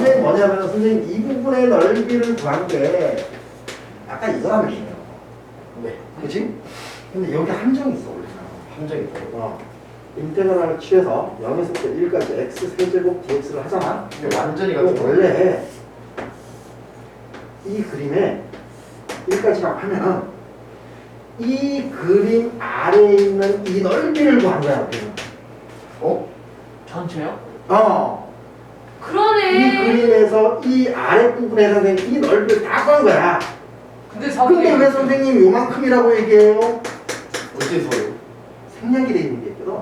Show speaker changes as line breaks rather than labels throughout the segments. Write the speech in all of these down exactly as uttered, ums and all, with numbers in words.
이게 뭐냐면 선생님 이 부분의 넓이를 구한 게 아까 이거라면 돼요. 왜? 그치? 근데 여기 함정이 있어 원래.
함정이 있다고?
어. 인테그랄을 취해서 영에서부터 일까지 x 세제곱 dx를 하잖아.
근데 완전히
그럼
같은
원래 이 그림에 일까지라고 하면은 이 그림 아래에 있는 이 넓이를 구한 거야 우리는.
어?
전체요?
어. 이
그러네.
그림에서 이 아랫부분에서 이 넓이를 다 구한 거야.
근데
근데
사분의
왜 선생님이 요만큼이라고 얘기해요?
어째서요?
생략이 돼 있는 게 있거든.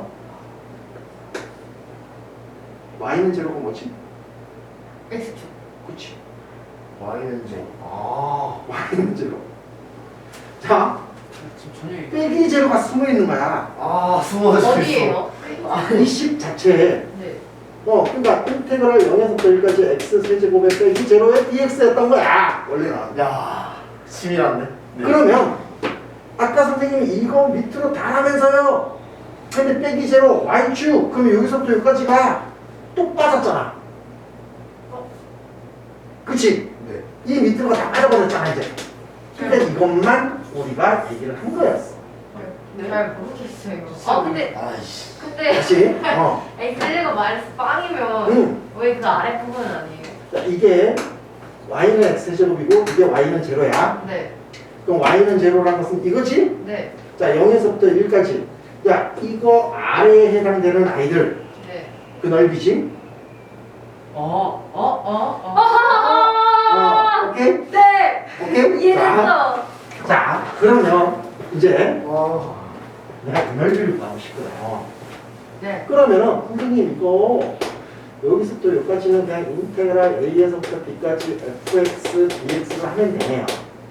y는 제로가 뭐지?
X축.
그치.
Y는 제로. 아.
y는 제로. 자,
지금 전혀 얘기
빼기 제로가 숨어 있는 거야.
아, 숨어져
어디에요?
이 식 자체에.
네.
어, 그러니까 인테그랄 영에서부터 일까지 x 세제곱에 빼기 제로의 dx였던 거야. 원래는.
야, 치밀한데? 네.
그러면 아까 선생님이 이거 밑으로 달하면서요. 근데 빼기 제로 y축. 그럼 여기서부터 여기까지가 뚝 빠졌잖아. 그치?
네.
이 밑으로가 다 빠져버렸잖아 이제. 그러니까 이것만 우리가 얘기를 한 거였어.
네. 잘 모르겠어요. 아 근데
아이씨.
근데
그치? 어.
엑셀레가 마이너스 빵이면
응.
왜 그 아래 부분은 아니에요?
자, 이게 y는 x제곱이고 이게 y는 제로야.
네.
그럼 y는 제로라는 것은 이거지?
네.
자, 영에서부터 일까지. 야, 이거 아래에 해당되는 아이들.
네.
그 넓이지?
어? 어? 어? 어?
아하하!
어, 오케이?
네.
오케이? 자,
이해했어.
자, 그러면 이제
와.
내가 그 넓이를 구하고 싶거든.
네.
그러면은 선생님 이거 여기서부터 여기까지는 그냥 인테그랄 a에서부터 b까지 fx, dx를 하면 되네요.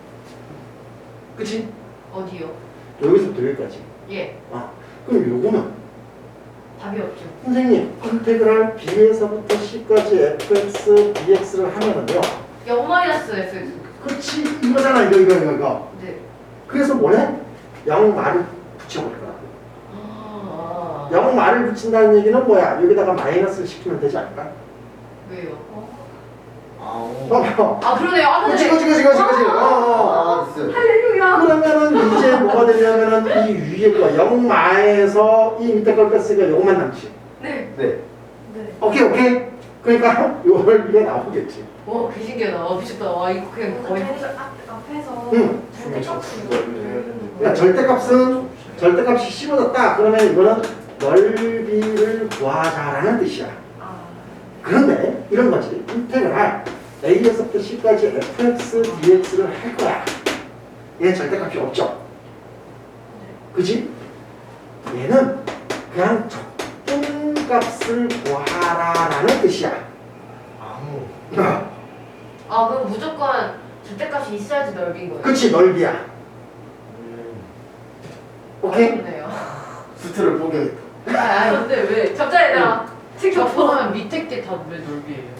그치?
어디요?
여기서부터 여기까지.
예.
아, 그럼 요거는
답이 없죠.
선생님 인테그랄 b에서부터 c까지 fx, dx를 하면은요.
영 마이너스 F.
그렇지 이거잖아 이거 이거 이거 이거.
네.
그래서 뭐래? 영 말을 붙여버릴 거야.
아.
영 말을 붙인다는 얘기는 뭐야? 여기다가 마이너스를 시키면 되지 않을까?
왜요?
아우.
어,
아 그러네요. 아까
그치
전에.
그치 그치 그치 그치. 어, 어.
아, 됐어요.
할렐루야.
그러면은 이제 뭐가 되냐면은 이 위에 거 영 마에서 이 밑에 걸 뺐으니까 요것만 남지.
네.
네.
네.
오케이 오케이. 그러니까 요걸 위에 나오겠지.
와, 그 신기하다. 와, 미쳤다. 와, 이거 그냥 거의.
앞, 앞에서
응.
절대값을
그러니까 절대값은 절대값이 씹어졌다. 그러면 이거는 넓이를 구하자라는 뜻이야.
아,
그런데 이런 거지. 인테그랄 a에서부터 c까지 fx, dx를 할 거야. 얘 절대값이 없죠. 그지? 얘는 그냥 적분값을 구하라라는 뜻이야.
아우.
아, 그럼 무조건 절대값이 있어야지 넓인 거예요.
그치 넓이야.
음.
오케이?
그러네요.
수트를 포기했다.
아, 아, 근데 왜? 잠자리다.
적분하면 밑에 게 다 왜 넓이에요?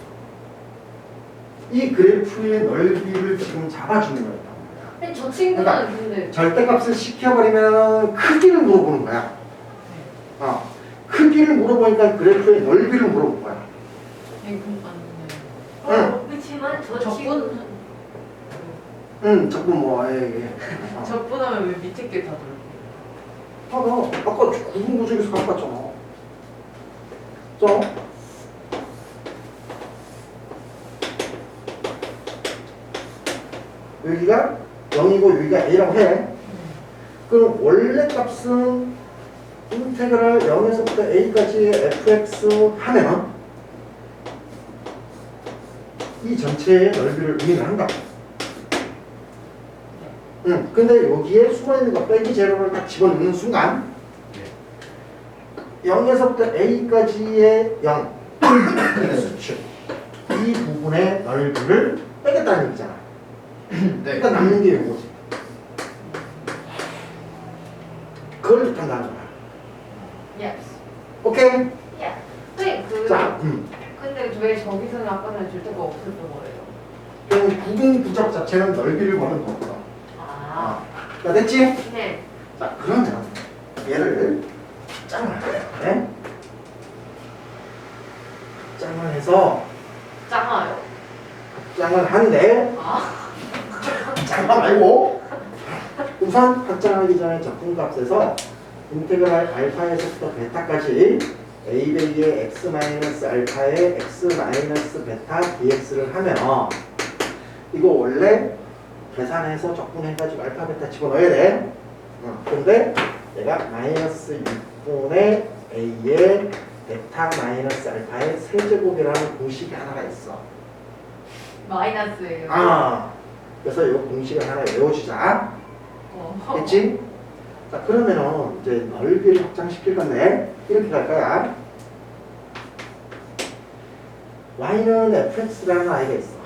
이 그래프의 넓이를 지금 잡아주는 거야.
아니, 저 친구는
그러니까
근데.
절대값을 시켜버리면 크기를 물어보는 거야. 어. 크기를 물어보니까 그래프의 넓이를 물어본 거야.
이거 맞네.
응.
그렇지만 저
적분?
친구는.
응, 자꾸 뭐, 예, 예. 어.
적분하면 왜 밑에 게 다 넓이에요?
아, 나 아까 구분 구조에서 갖고 왔잖아. 자. 여기가 영이고 여기가 a라고 해. 그럼 원래 값은 인테그랄 영에서부터 a까지 fx 하면은 이 전체의 넓이를 의미를 한다. 응. 근데 여기에 숨어있는 거 빼기 제로를 딱 집어넣는 순간 영에서부터 a까지의 영 수축 이 부분의 넓이를 빼겠다는 얘기잖아.
네.
그러니까 남는 게 이거지. 그걸 뜻한다는 거야.
Yes.
오케이?
Yeah. 네, 그.
자, 음.
근데 왜 저기서는 아까는 절대가 없었던 거예요?
그럼 구분 부적 자체는 넓이를 보는 거구나.
아.
자, 됐지?
네.
자, 그러면 얘를 짱을 해. 짱을 해서
작아요.
확장을 한데
아,
잠깐 말고 우선 확장하기 전에 적분값에서 인테그랄 알파에서부터 베타까지 a 배기의 x 마이너스 알파의 x 마이너스 베타 dx를 하면 이거 원래 계산해서 적분해가지고 알파 베타 집어넣어야 돼. 어, 근데 내가 마이너스 육 분의 a의 베타 마이너스 알파의 세제곱이라는 공식이 하나가 있어.
마이너스예요.
아, 그래서 이 공식을 하나 외워주자.
어.
됐지? 자, 그러면은 이제 넓이를 확장시킬 건데 이렇게 갈 거야. y는 fx라는 아이가 있어.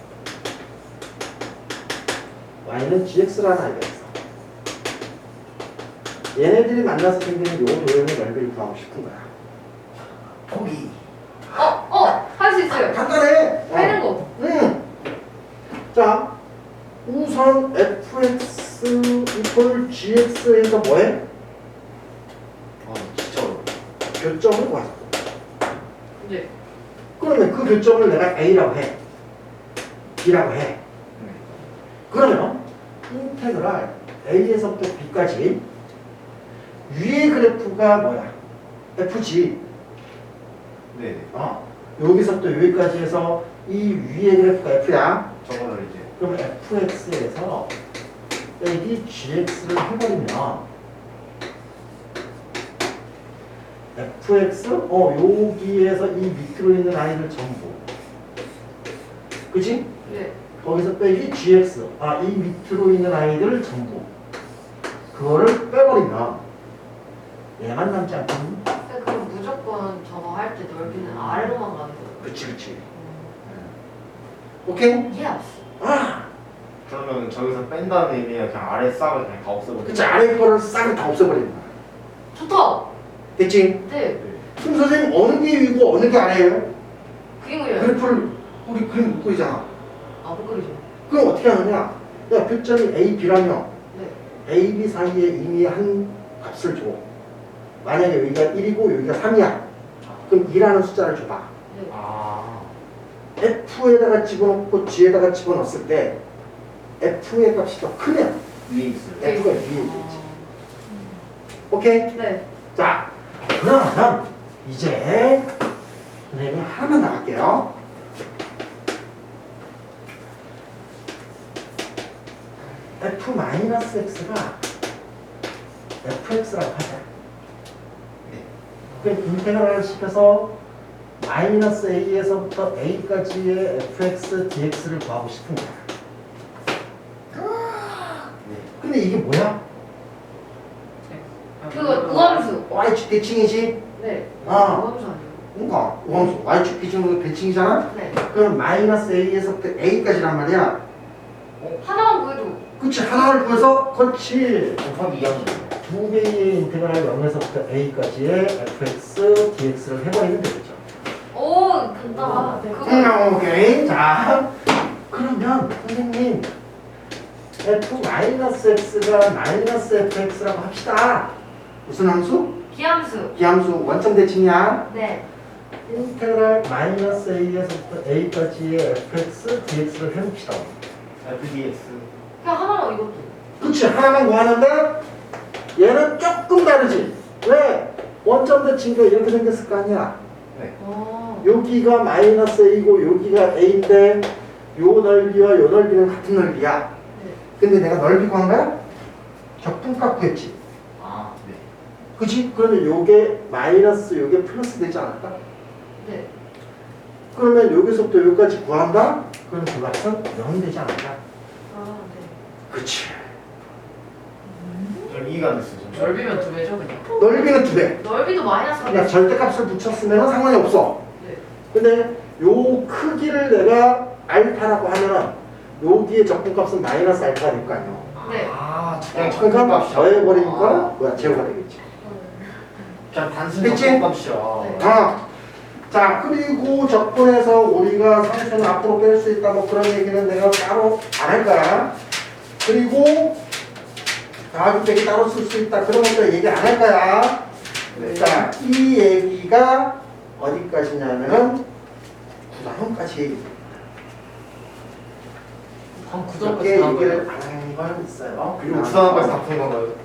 y는 gx라는 아이가 있어. 얘네들이 만나서 생기는 요 도형의 넓이를 구하고 싶은 거야. 거기.
어, 어, 할 수 있어요.
간단해.
빼는 거.
응. 자, 우선 fx 이퀄 gx에서 뭐해?
아 진짜 어려워.
교점을 구하자.
네.
그러면 그 교점을 내가 a라고 해. b라고 해.
네.
그러면 인테그랄 a에서부터 b까지 위의 그래프가 뭐야? fg.
네.
어. 여기서부터 여기까지 해서 이 위의 그래프가 f야.
저거를 이제
그럼 fx에서 빼기 gx를 해버리면 fx 어 여기에서 이 밑으로 있는 아이를 전부 그치?
네.
거기서 빼기 gx 아 이 밑으로 있는 아이들을 전부 그거를 빼버리면 얘만 남지 않거든.
근데 그럼 무조건 저거 할 때 넓이는 아래로만 가는 거예요.
그치 그치
음.
오케이?
예스.
아
그러면 저기서 뺀다는 의미가 그냥 아래 싹을 그냥 다 없애버리는
그치 아래 거를 싹을 다 없애버리는 거야.
좋다.
됐지?
네.
그럼 선생님 어느 게 위고 어느 게 아래예요?
그림을요.
그래프를 우리 그림 못 그리잖아.
아, 못 그리죠.
그럼 어떻게 하느냐? 야, 교점이 A, B라면
네.
A, B 사이에 이미 한 값을 줘. 만약에 여기가 일이고 여기가 삼이야. 그럼 이라는 숫자를 줘봐.
네.
아
F에다가 집어넣고 G에다가 집어넣었을 때 F의 값이 더 크면
위에 있어요.
네.
F가 위에 있겠지. 오케이?
네.
자, 그러면 이제 선생님이 하나만 나갈게요. F-X가 fx라고 하자. 그럼 인테그랄을 시켜서 마이너스 a에서부터 a까지의 fx, dx를 구하고 싶은 거야. 근데 이게 뭐야?
그거 우함수.
y축 대칭이지?
네.
아.
우함수 아니에요?
그러니까 우함수 y축 기준으로 대칭이잖아?
네.
그럼 마이너스 a에서부터 a까지란 말이야.
하나만 구해도.
그치, 하나를 구해서 그렇지.
곱하기 이 하면
두 개의 인테그랄 영에서부터 a까지의 fx, dx를 해버리면 되겠죠.
오, 간다.
네.
그거.
음, 오케이. 자, 그러면 선생님 f-x가 마이너스 fx라고 합시다. 무슨 함수?
기함수.
기함수 원점 대칭이야.
네.
인테그랄 마이너스 a에서부터 a까지의 fx, dx를 해봅시다.
에프디엑스.
그냥 하나만 이것도.
그치, 하나만 구하는데 얘는 조금 다르지. 왜? 원점 대칭도 이렇게 생겼을 거 아니야.
네.
어.
여기가 마이너스 a고 여기가 a인데 요 넓이와 요 넓이는 같은 넓이야.
네.
근데 내가 넓이 구한 거야? 적분값 구했지.
아 네.
그치? 그러면 요게 마이너스 요게 플러스 되지 않을까?
네.
그러면 여기서부터 여기까지 구한다? 그럼 그 값은 영 되지 않을까?
아, 네.
그치.
좀 이해가 안 됐어요. 좀.
넓이면 두 배죠 그냥.
넓이는 두 배.
넓이도 마이너스
그냥 절대값을 붙였으면 상관이 없어.
네.
근데 요 크기를 내가 알파라고 하면은 여기에 적분값은 마이너스 알파가 될 거 아니야.
네.
아 그냥
그러니까
적분값이야.
더해버리니까 뭐야 제로가 되겠지.
그냥 단순히
그치?
적분값이야.
네.
아, 자 그리고 적분해서 우리가 상수는 앞으로 뺄 수 있다 뭐 그런 얘기는 내가 따로 안 할 거야. 그리고 더하기 빼기 따로 쓸 수 있다 그런 것도 얘기 안 할 거야.
네.
자, 이 얘기가 어디까지냐면은 구다형까지 얘기해.
방그
몇 개
전까지 다
얘기를
넣어요.
안 하는 건 있어요.
그리고 부산까지 다 푸는 건가요?